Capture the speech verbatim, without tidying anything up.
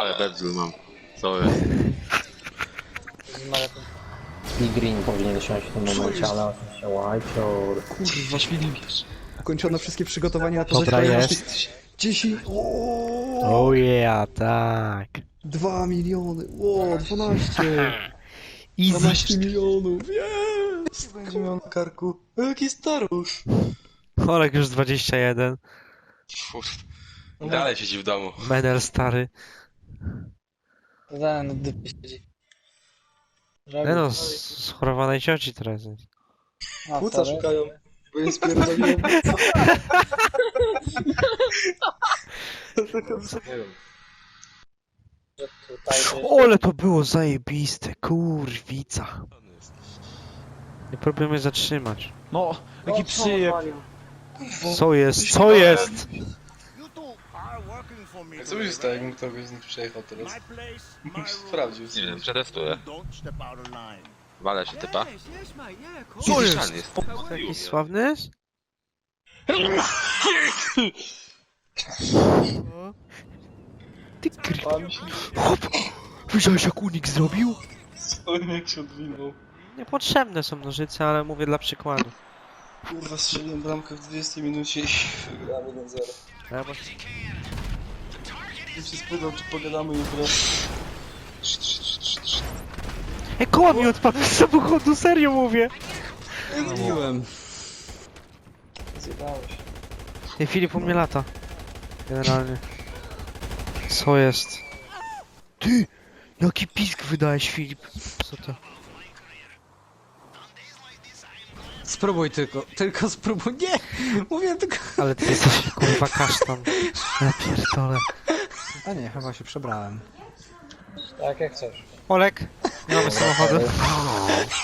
Ale bedzel mam. Sorry. I Green powinien siąść w tym momencie, ale oczywiście Whiteor. Kurwa, świniwiesz. Ukończono wszystkie przygotowania na to, Dobra, że jest. dziesięć... O, Oh yeah, tak. dwa miliony, o, dwanaście. Easy. dwanaście milionów, jest! Będzie miał na karku. O, jaki starusz. Olek już dwadzieścia jeden. Dalej siedzi w domu. Medal stary. Zadałem na dupie siedzi. Nie no, z- schorowanej cioci teraz jest. A, Płuca sorry. szukają. Bo jest pierdoliłem. Tutaj to jest... Ole to było zajebiste, kurwica. Nie próbujemy zatrzymać. No, jaki przyjeb. Co jest? Co jest? Co by się stało, jakbym ktoś z nich przejechał teraz? Sprawdził. Nie wiem, przetestuję. Walę się typa. Co jest? jest? jest? Taki sławny jest? Ty kurwa. Hop! Widziałeś jak unik zrobił? On jak się odwinął. Niepotrzebne są nożyce, ale mówię dla przykładu. Kurwa, strzeliłem bramkę w dwudziestej minucie i wygramy na zero. Ja bo... I się spytał, czy pogadamy jutro. Ej, koła mi odpadł z samochodu, serio mówię! Mówiłem. Zjebałeś. Ej, Filip u mnie lata. Generalnie. Co jest? Ty! Jaki pisk wydałeś, Filip? Co to? Spróbuj tylko, tylko spróbuj, nie! Mówię tylko... Ale ty jesteś kurwa kasztan. Ja pierdolę. A nie, chyba się przebrałem. Tak jak chcesz. Olek, nie mamy samochodu.